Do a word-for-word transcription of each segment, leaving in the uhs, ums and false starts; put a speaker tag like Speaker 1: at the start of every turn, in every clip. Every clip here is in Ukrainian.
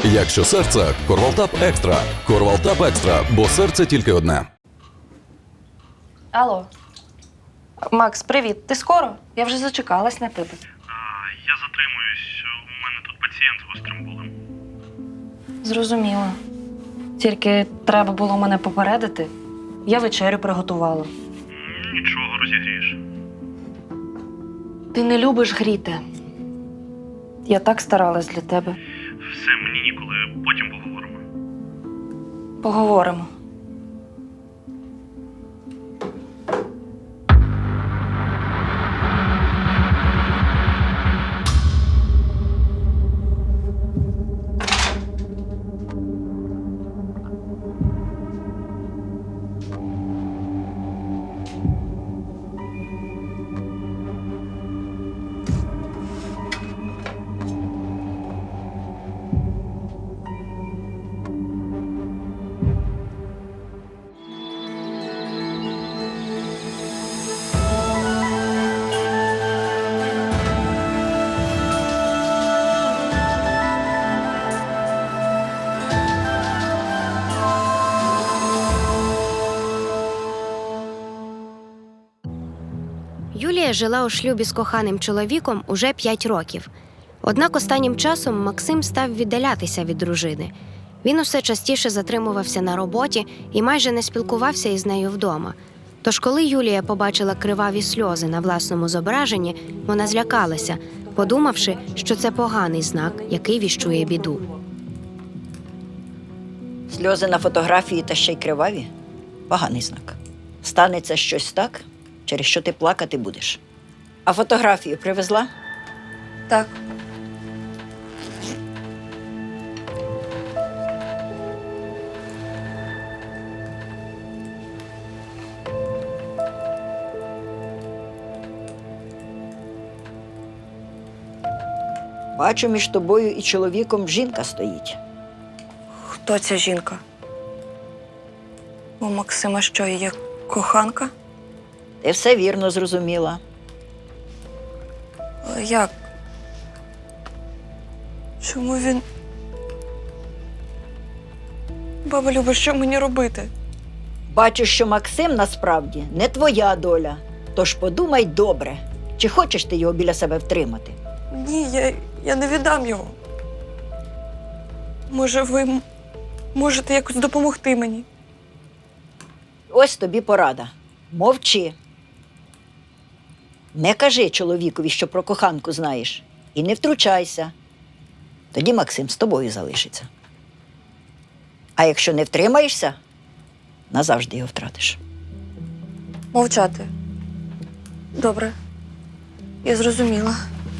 Speaker 1: Якщо серце – Корвалтап Екстра. Корвалтап Екстра, бо серце тільки одне.
Speaker 2: Алло. Макс, привіт. Ти скоро? Я вже зачекалась на тебе.
Speaker 3: А, я затримуюсь. У мене тут пацієнт з гострим болем.
Speaker 2: Зрозуміла. Тільки треба було мене попередити. Я вечерю приготувала.
Speaker 3: Нічого, розігрієш.
Speaker 2: Ти не любиш гріти. Я так старалась для тебе.
Speaker 3: Все, мені ніколи. Потім поговоримо.
Speaker 2: Поговоримо.
Speaker 4: Юлія жила у шлюбі з коханим чоловіком уже п'ять років. Однак останнім часом Максим став віддалятися від дружини. Він усе частіше затримувався на роботі і майже не спілкувався із нею вдома. Тож коли Юлія побачила криваві сльози на власному зображенні, вона злякалася, подумавши, що це поганий знак, який віщує біду.
Speaker 5: Сльози на фотографії та ще й криваві – поганий знак. Станеться щось так, через що ти плакати будеш. А фотографію привезла?
Speaker 2: Так.
Speaker 5: Бачу, між тобою і чоловіком жінка стоїть.
Speaker 2: Хто ця жінка? У Максима що, є коханка?
Speaker 5: Ти все вірно зрозуміла.
Speaker 2: Але як? Чому він... Баба Люба, що мені робити?
Speaker 5: Бачу, що Максим насправді не твоя доля. Тож подумай добре, чи хочеш ти його біля себе втримати.
Speaker 2: Ні, я, я не віддам його. Може, ви м- можете якось допомогти мені?
Speaker 5: Ось тобі порада. Мовчи. Не кажи чоловікові, що про коханку знаєш. І не втручайся. Тоді Максим з тобою залишиться. А якщо не втримаєшся, назавжди його втратиш.
Speaker 2: Мовчати. Добре. Я зрозуміла.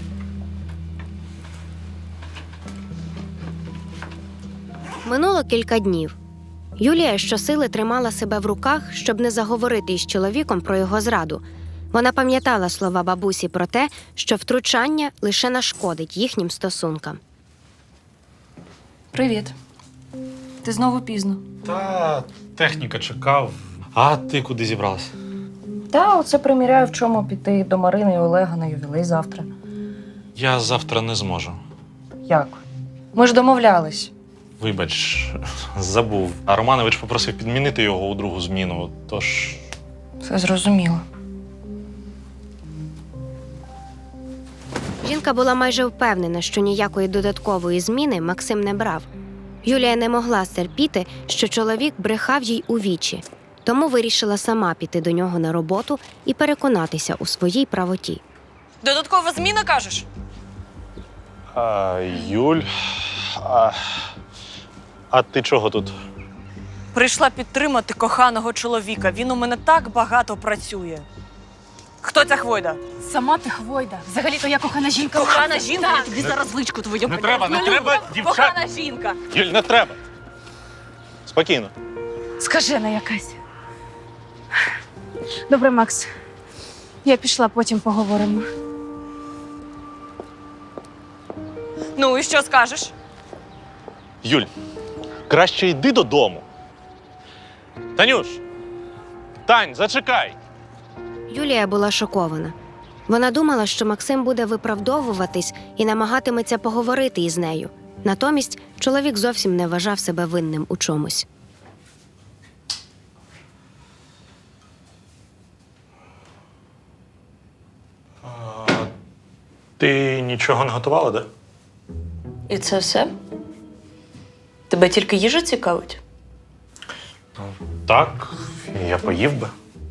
Speaker 4: Минуло кілька днів. Юлія щосили тримала себе в руках, щоб не заговорити із чоловіком про його зраду. Вона пам'ятала слова бабусі про те, що втручання лише нашкодить їхнім стосункам.
Speaker 2: Привіт. Ти знову пізно.
Speaker 3: Та техніка чекав. А ти куди зібралась?
Speaker 2: Та, оце приміряю, в чому піти до Марини і Олега на ювілей завтра.
Speaker 3: Я завтра не зможу.
Speaker 2: Як? Ми ж домовлялись.
Speaker 3: Вибач, забув. А Романович попросив підмінити його у другу зміну, тож...
Speaker 2: Все зрозуміло.
Speaker 4: Жінка була майже впевнена, що ніякої додаткової зміни Максим не брав. Юлія не могла стерпіти, що чоловік брехав їй у вічі, тому вирішила сама піти до нього на роботу і переконатися у своїй правоті.
Speaker 2: Додаткова зміна, кажеш?
Speaker 3: А, Юль... А, а ти чого тут?
Speaker 6: Прийшла підтримати коханого чоловіка. Він у мене так багато працює. Хто ця хвойда?
Speaker 7: Сама ти хвойда. Взагалі-то я кохана жінка.
Speaker 6: Кохана жінка? Я тобі зараз личку твою
Speaker 3: Не треба, не треба, дівчат!
Speaker 6: Кохана жінка.
Speaker 3: Юль, не треба! Спокійно.
Speaker 7: Скажена якась. Добре, Макс. Я пішла, потім поговоримо.
Speaker 6: Ну і що скажеш?
Speaker 3: Юль, краще йди додому. Танюш! Тань, зачекай!
Speaker 4: Юлія була шокована. Вона думала, що Максим буде виправдовуватись і намагатиметься поговорити із нею. Натомість Чоловік зовсім не вважав себе винним у чомусь.
Speaker 3: Ти нічого не готувала, де?
Speaker 6: І це все? Тебе тільки їжа цікавить?
Speaker 3: Так, я поїв би.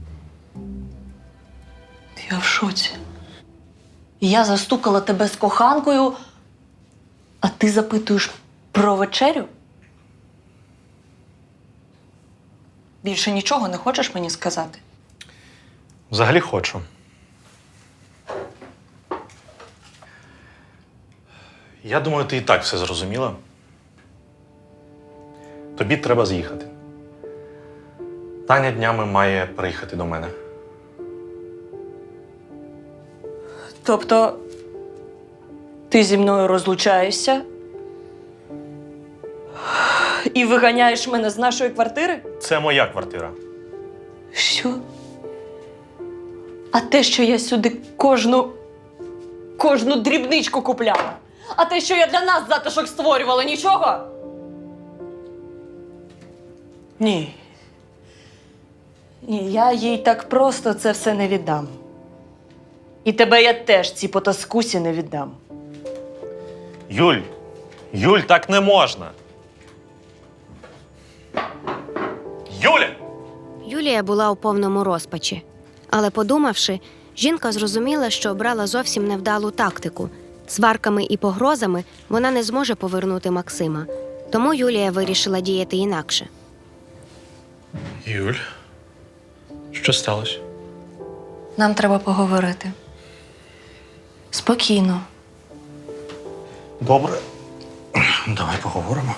Speaker 6: Я в шоці. Я застукала тебе з коханкою, а ти запитуєш про вечерю? Більше нічого не хочеш мені сказати?
Speaker 3: Взагалі хочу. Я думаю, ти і так все зрозуміла. Тобі треба з'їхати. Таня днями має приїхати до мене.
Speaker 6: Тобто, ти зі мною розлучаєшся і виганяєш мене з нашої квартири?
Speaker 3: Це моя квартира.
Speaker 6: Що? А те, що я сюди кожну, кожну дрібничку купляла? А те, що я для нас затишок створювала, нічого? Ні. Ні, я їй так просто це все не віддам. І тебе я теж цій потаскусі не віддам.
Speaker 3: Юль, Юль, так не можна. Юля!
Speaker 4: Юлія була у повному розпачі. Але подумавши, жінка зрозуміла, що обрала зовсім невдалу тактику. Сварками і погрозами вона не зможе повернути Максима. Тому Юлія вирішила діяти інакше.
Speaker 3: Юль, що сталося?
Speaker 6: Нам треба поговорити. Спокійно.
Speaker 3: Добре. Давай поговоримо.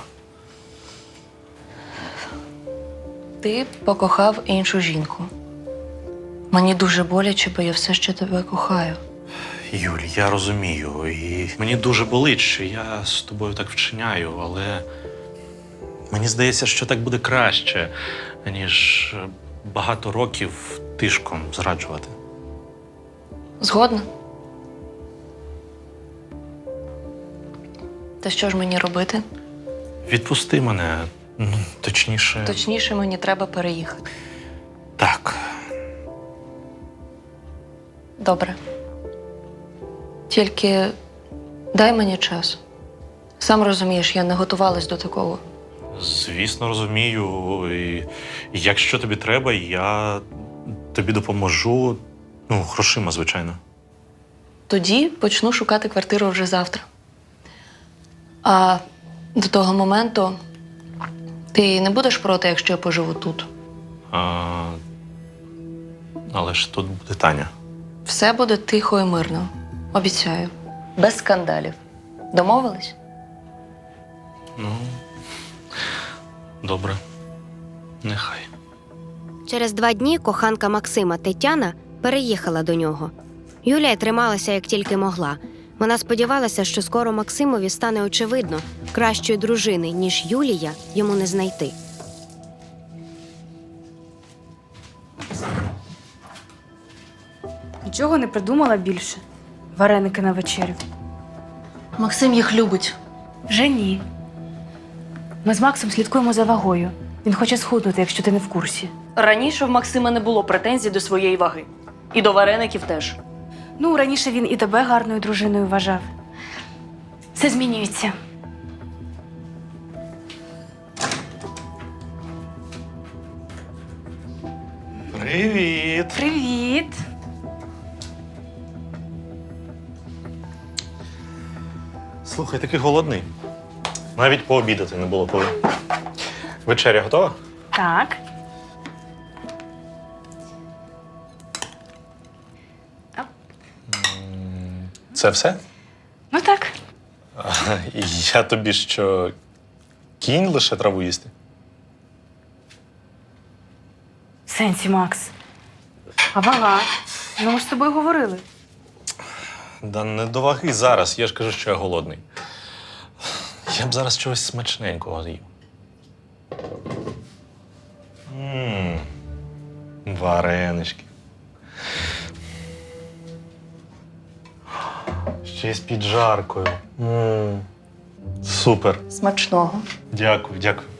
Speaker 6: Ти покохав іншу жінку. Мені дуже боляче, бо я все ще тебе кохаю.
Speaker 3: Юль, я розумію, і мені дуже болить, що я з тобою так вчиняю, але мені здається, що так буде краще, ніж багато років тишком зраджувати.
Speaker 6: Згодна? Та що ж мені робити?
Speaker 3: Відпусти мене, ну, точніше.
Speaker 6: Точніше, мені треба переїхати.
Speaker 3: Так.
Speaker 6: Добре. Тільки дай мені час. Сам розумієш, я не готувалась до такого.
Speaker 3: Звісно, розумію. І якщо тобі треба, я тобі допоможу. Ну, грошима, звичайно.
Speaker 6: Тоді почну шукати квартиру вже завтра. А до того моменту ти не будеш проти, якщо я поживу тут?
Speaker 3: А... Але ж тут буде Таня.
Speaker 6: Все буде тихо і мирно. Обіцяю. Без скандалів. Домовились?
Speaker 3: Ну, добре. Нехай.
Speaker 4: Через два дні коханка Максима Тетяна переїхала до нього. Юлія трималася як тільки могла. Вона сподівалася, що скоро Максимові стане очевидно, кращої дружини, ніж Юлія, йому не знайти.
Speaker 7: Нічого не придумала більше. Вареники на вечерю.
Speaker 6: Максим їх любить.
Speaker 7: Вже ні. Ми з Максом слідкуємо за вагою. Він хоче схуднути, якщо ти не в курсі.
Speaker 6: Раніше в Максима не було претензій до своєї ваги. І до вареників теж.
Speaker 7: Ну, раніше він і тебе гарною дружиною вважав. Все змінюється.
Speaker 3: Привіт!
Speaker 7: Привіт!
Speaker 3: Слухай, такий голодний. Навіть пообідати не було коли. Вечеря готова?
Speaker 7: Так.
Speaker 3: Це все?
Speaker 7: Ну так.
Speaker 3: А, я тобі що, кінь лише траву їсти?
Speaker 7: В сенсі, Макс. А вага? Ну, ми ж з тобою говорили.
Speaker 3: Да не до ваги зараз, я ж кажу, що я голодний. Я б зараз чогось смачненького з'їв. Ммм, варенички. Ще й з піджаркою. Ммм. Супер.
Speaker 6: Смачного.
Speaker 3: Дякую, дякую.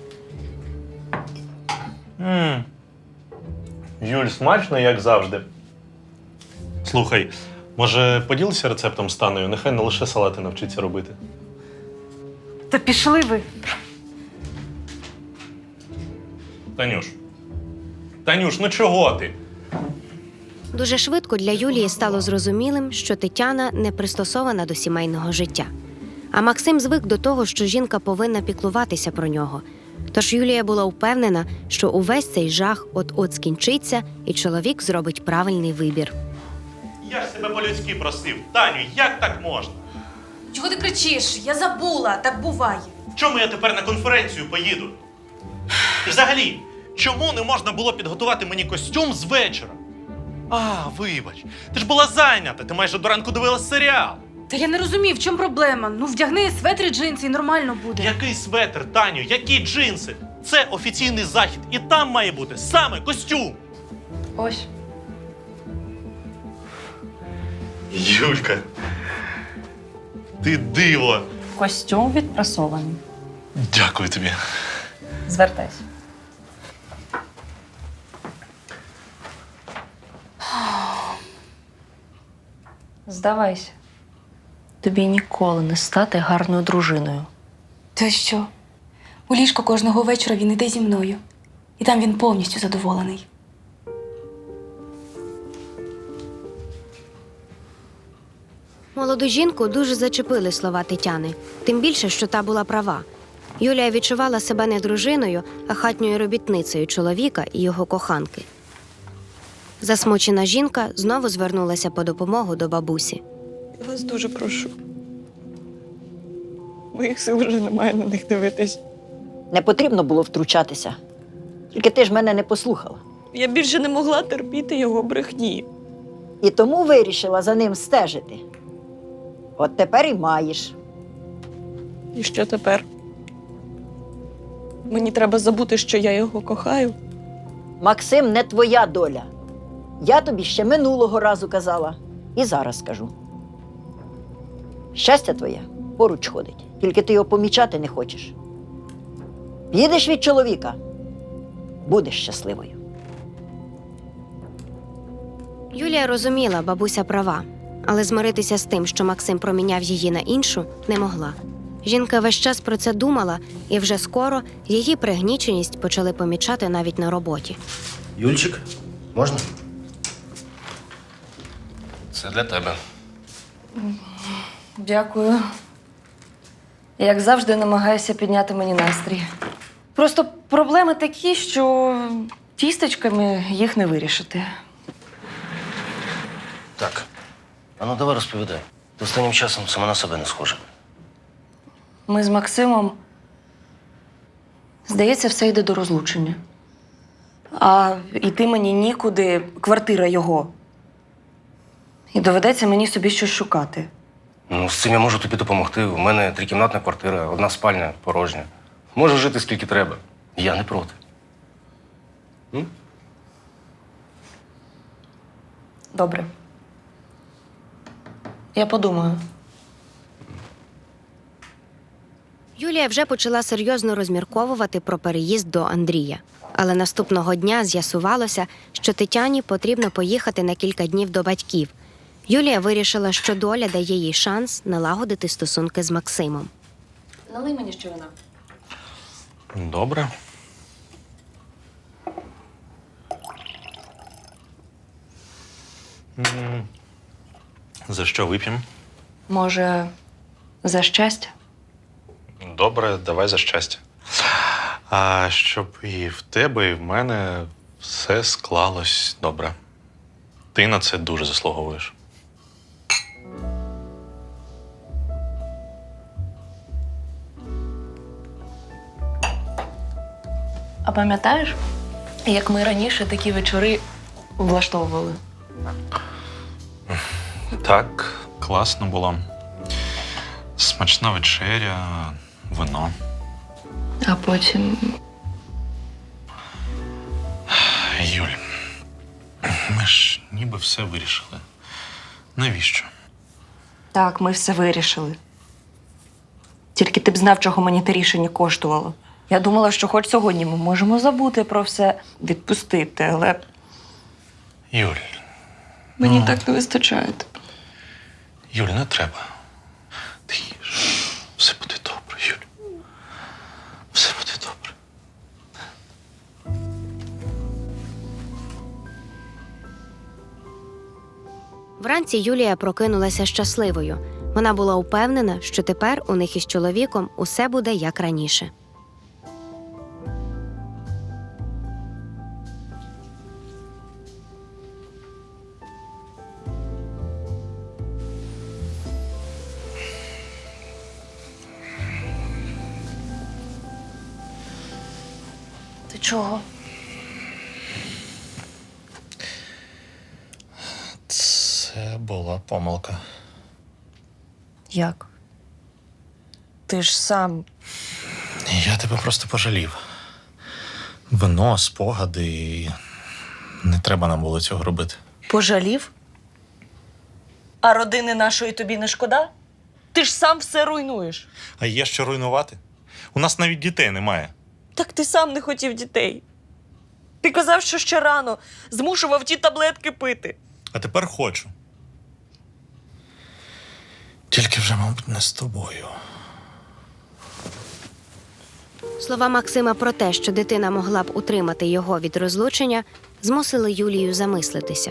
Speaker 3: м Юль, смачно, як завжди. Слухай, може поділися рецептом з Танею? Нехай не лише салати навчиться робити.
Speaker 7: Та пішли ви.
Speaker 3: Танюш. Танюш, ну чого ти?
Speaker 4: Дуже швидко для Юлії стало зрозумілим, що Тетяна не пристосована до сімейного життя. А Максим звик до того, що жінка повинна піклуватися про нього. Тож Юлія була впевнена, що увесь цей жах от-от скінчиться, і чоловік зробить правильний вибір.
Speaker 3: Я ж тебе по-людськи просив. Таню, як так можна?
Speaker 7: Чого ти кричиш? Я забула, так буває.
Speaker 3: Чому я тепер на конференцію поїду? І взагалі, чому не можна було підготувати мені костюм з вечора? А, вибач, ти ж була зайнята, ти майже до ранку дивилась серіал.
Speaker 7: Та я не розумію, в чому проблема. Ну, вдягни светри, джинси і нормально буде.
Speaker 3: Який светр, Таню, які джинси? Це офіційний захід, і там має бути саме костюм.
Speaker 6: Ось.
Speaker 3: Юлька, ти диво.
Speaker 6: Костюм відпрасований.
Speaker 3: Дякую тобі.
Speaker 6: Звертайся. Здавайся. Тобі ніколи не стати гарною дружиною.
Speaker 7: Та що? У ліжко кожного вечора він іде зі мною. І там він повністю задоволений.
Speaker 4: Молоду жінку дуже зачепили слова Тетяни, тим більше, що та була права. Юлія відчувала себе не дружиною, а хатньою робітницею чоловіка і його коханки. Засмучена жінка знову звернулася по допомогу до бабусі.
Speaker 8: Я вас дуже прошу. Моїх сил вже немає на них дивитись.
Speaker 5: Не потрібно було втручатися. Тільки ти ж мене не послухала.
Speaker 8: Я більше не могла терпіти його брехні.
Speaker 5: І тому вирішила за ним стежити. От тепер і маєш.
Speaker 8: І що тепер? Мені треба забути, що я його кохаю.
Speaker 5: Максим, не твоя доля. Я тобі ще минулого разу казала. І зараз скажу. Щастя твоє поруч ходить. Тільки ти його помічати не хочеш. Підеш від чоловіка, будеш щасливою.
Speaker 4: Юлія розуміла, бабуся права, але змиритися з тим, що Максим проміняв її на іншу, не могла. Жінка весь час про це думала, і вже скоро її пригніченість почали помічати навіть на роботі.
Speaker 9: Юльчик, можна? Це для тебе.
Speaker 6: Дякую. Як завжди, намагаюся підняти мені настрій. Просто проблеми такі, що тістечками їх не вирішити.
Speaker 9: Так. А ну давай розповідай. Ти останнім часом сама на себе не схожа.
Speaker 6: Ми з Максимом, здається, все йде до розлучення. А йти мені нікуди, квартира його. І доведеться мені собі щось шукати.
Speaker 9: Ну, з цим я можу тобі допомогти. У мене трикімнатна квартира, одна спальня порожня. Можу жити скільки треба. Я не проти. М?
Speaker 6: Добре. Я подумаю.
Speaker 4: Юлія вже почала серйозно розмірковувати про переїзд до Андрія. Але наступного дня з'ясувалося, що Тетяні потрібно поїхати на кілька днів до батьків. Юлія вирішила, що доля дає їй шанс налагодити стосунки з Максимом.
Speaker 6: Налий мені ще вина.
Speaker 3: Добре. М, За що вип'ємо?
Speaker 6: Може, за щастя?
Speaker 3: Добре, давай за щастя. А щоб і в тебе, і в мене все склалось добре. Ти на це дуже заслуговуєш.
Speaker 6: А пам'ятаєш, як ми раніше такі вечори влаштовували?
Speaker 3: Так, класно було. Смачна вечеря, вино.
Speaker 6: А потім.
Speaker 3: Юль, ми ж ніби все вирішили. Навіщо?
Speaker 6: Так, ми все вирішили. Тільки ти б знав, чого мені те рішення коштувало. Я думала, що хоч сьогодні ми можемо забути про все, відпустити, але
Speaker 3: Юль,
Speaker 6: мені
Speaker 3: Ну.
Speaker 6: так не вистачає тебе.
Speaker 3: Юль, не треба. Ти їж. Все буде добре, Юль. Все буде добре.
Speaker 4: Вранці Юлія прокинулася щасливою. Вона була упевнена, що тепер у них із чоловіком усе буде як раніше.
Speaker 6: Ти чого?
Speaker 3: Це була помилка.
Speaker 6: Як? Ти ж сам.
Speaker 3: Я тебе просто пожалів. Вино, спогади і не треба нам було цього робити.
Speaker 8: Пожалів? А родини нашої тобі не шкода? Ти ж сам все руйнуєш.
Speaker 10: А є що руйнувати? У нас навіть дітей немає.
Speaker 8: Так ти сам не хотів дітей. Ти казав, що ще рано змушував ті таблетки пити.
Speaker 10: А тепер хочу.
Speaker 3: Тільки вже, мабуть, не з тобою.
Speaker 4: Слова Максима про те, що дитина могла б утримати його від розлучення, змусили Юлію замислитися.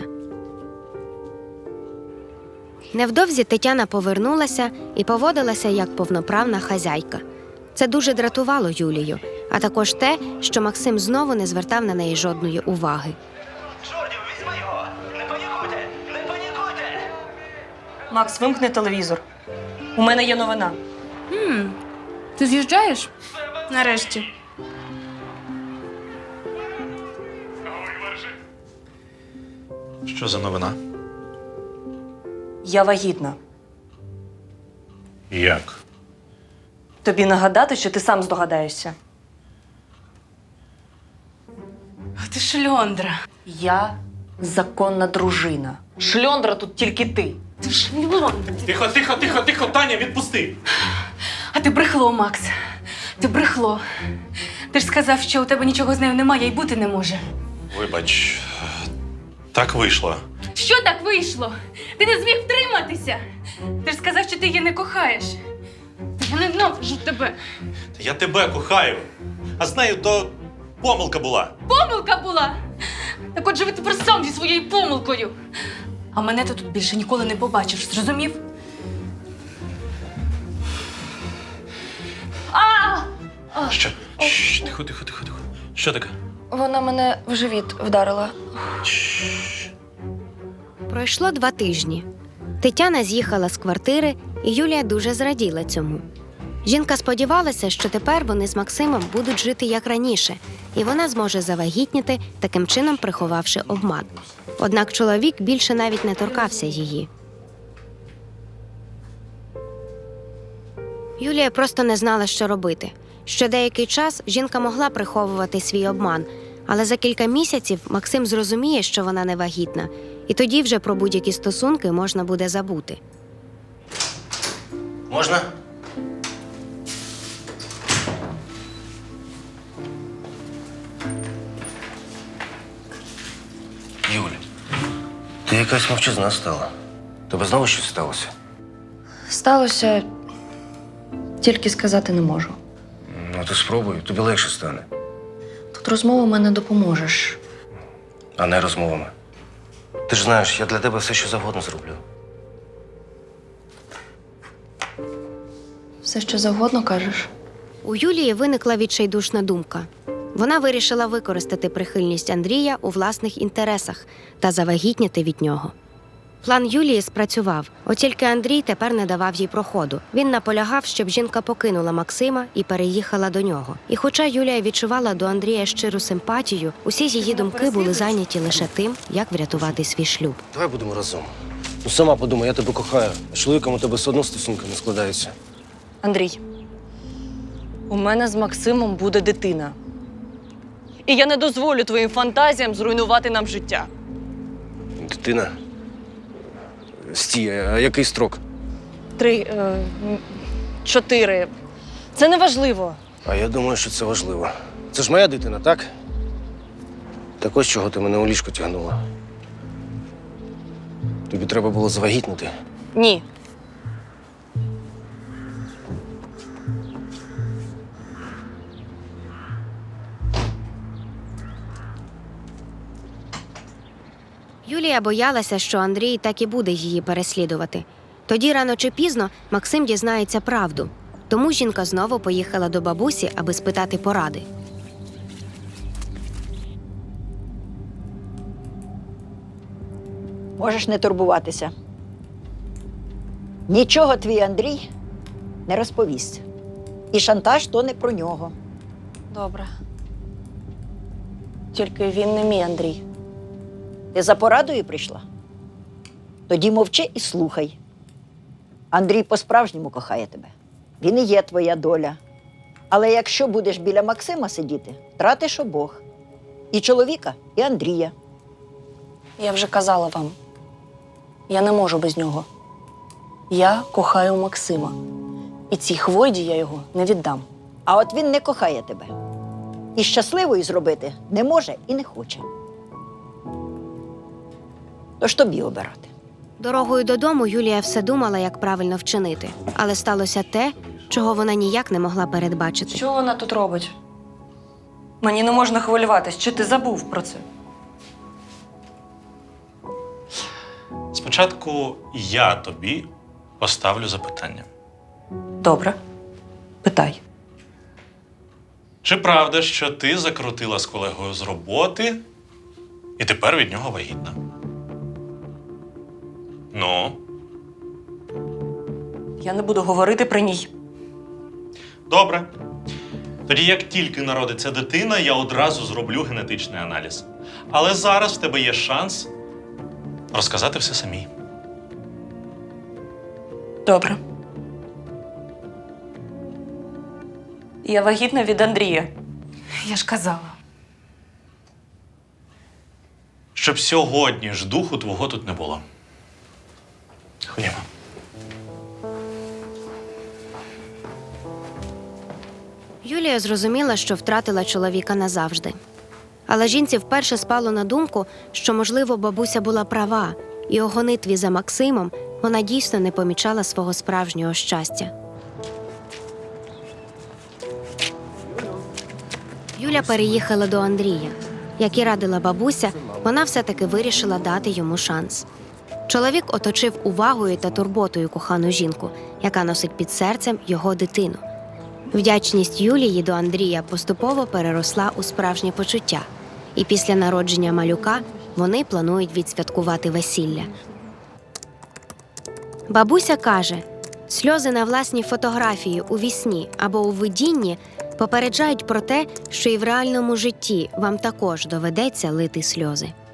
Speaker 4: Невдовзі Тетяна повернулася і поводилася як повноправна хазяйка. Це дуже дратувало Юлію, а також те, що Максим знову не звертав на неї жодної уваги.
Speaker 11: Чордів, візьми його! Не панікуйте! Не панікуйте!
Speaker 8: Макс, вимкни телевізор. У мене є новина.
Speaker 7: Хм, ти з'їжджаєш? Нарешті.
Speaker 3: Що за новина?
Speaker 8: Я вагітна.
Speaker 3: Як?
Speaker 8: Тобі нагадати, що ти сам здогадаєшся.
Speaker 7: А ти шльондра.
Speaker 6: Я законна дружина. Шльондра тут тільки ти.
Speaker 7: Ти шльондра.
Speaker 10: Тихо, тихо, тихо, тихо, Таня, відпусти!
Speaker 7: А ти брехло, Макс. Ти брехло. Ти ж сказав, що у тебе нічого з нею немає і бути не може.
Speaker 10: Вибач, так вийшло.
Speaker 7: Що так вийшло? Ти не зміг втриматися. Ти ж сказав, що ти її не кохаєш. Я ненавиджу тебе.
Speaker 10: Та я тебе кохаю. А з нею то помилка була.
Speaker 7: Помилка була. Так от живи тепер сам зі своєю помилкою. А мене ти тут більше ніколи не побачиш, зрозумів? А!
Speaker 3: Що? Шш, тихо, тихо, тихо, тихо. Що таке?
Speaker 6: Вона мене в живіт вдарила.
Speaker 4: Пройшло два тижні. Тетяна з'їхала з квартири, і Юлія дуже зраділа цьому. Жінка сподівалася, що тепер вони з Максимом будуть жити як раніше, і вона зможе завагітніти, таким чином приховавши обман. Однак чоловік більше навіть не торкався її. Юлія просто не знала, що робити. Ще деякий час жінка могла приховувати свій обман, але за кілька місяців Максим зрозуміє, що вона не вагітна, і тоді вже про будь-які стосунки можна буде забути.
Speaker 9: Можна? Юль, ти якась мовчазна стала. Тебе знову щось сталося?
Speaker 6: Сталося, тільки сказати не можу.
Speaker 9: Ну, ти спробуй, тобі легше стане.
Speaker 6: Тут розмовами не допоможеш.
Speaker 9: А не розмовами. Ти ж знаєш, я для тебе все, що завгодно зроблю.
Speaker 6: Все, що завгодно кажеш.
Speaker 4: У Юлії виникла відчайдушна думка. Вона вирішила використати прихильність Андрія у власних інтересах та завагітніти від нього. План Юлії спрацював, от тільки Андрій тепер не давав їй проходу. Він наполягав, щоб жінка покинула Максима і переїхала до нього. І хоча Юлія відчувала до Андрія щиру симпатію, усі її думки були зайняті лише тим, як врятувати свій шлюб.
Speaker 9: Давай будемо разом. Ну, сама подумай, я тебе кохаю. А з чоловіком у тебе все одно стосунки не складаються.
Speaker 8: Андрій, у мене з Максимом буде дитина. І я не дозволю твоїм фантазіям зруйнувати нам життя.
Speaker 9: Дитина? Стій, а який строк?
Speaker 8: Три, е, м, чотири. Це не важливо.
Speaker 9: А я думаю, що це важливо. Це ж моя дитина, так? Так ось чого ти мене у ліжко тягнула. Тобі треба було завагітнити.
Speaker 8: Ні.
Speaker 4: Юлія боялася, що Андрій так і буде її переслідувати. Тоді рано чи пізно Максим дізнається правду. Тому жінка знову поїхала до бабусі, аби спитати поради.
Speaker 5: Можеш не турбуватися. Нічого твій Андрій не розповість. І шантаж то не про нього.
Speaker 8: Добре. Тільки він не мій Андрій.
Speaker 5: Ти за порадою прийшла? Тоді мовчи і слухай. Андрій по-справжньому кохає тебе. Він і є твоя доля. Але якщо будеш біля Максима сидіти, втратиш обох. І чоловіка, і Андрія.
Speaker 8: Я вже казала вам. Я не можу без нього. Я кохаю Максима. І цій хвойді я його не віддам.
Speaker 5: А от він не кохає тебе. І щасливою зробити не може і не хоче. Тож тобі обирати.
Speaker 4: Дорогою додому Юлія все думала, як правильно вчинити. Але сталося те, чого вона ніяк не могла передбачити.
Speaker 8: Що вона тут робить? Мені не можна хвилюватись. Чи ти забув про це?
Speaker 3: Спочатку я тобі поставлю запитання.
Speaker 8: Добре. Питай.
Speaker 3: Чи правда, що ти закрутила з колегою з роботи і тепер від нього вагітна? Ну,
Speaker 8: Я не буду говорити при ній.
Speaker 3: добре. Тоді, як тільки народиться дитина, я одразу зроблю генетичний аналіз. Але зараз в тебе є шанс розказати все самій.
Speaker 8: Добре. Я вагітна від Андрія.
Speaker 7: Я ж казала.
Speaker 3: Щоб сьогодні ж духу твого тут не було. Ходімо.
Speaker 4: Юлія зрозуміла, що втратила чоловіка назавжди. Але жінці вперше спало на думку, що, можливо, бабуся була права, і у гонитві за Максимом вона дійсно не помічала свого справжнього щастя. Юля переїхала до Андрія. Як і радила бабуся, вона все-таки вирішила дати йому шанс. Чоловік оточив увагою та турботою кохану жінку, яка носить під серцем його дитину. Вдячність Юлії до Андрія поступово переросла у справжнє почуття. І після народження малюка вони планують відсвяткувати весілля. Бабуся каже, сльози на власній фотографії у вісні або у видінні попереджають про те, що і в реальному житті вам також доведеться лити сльози.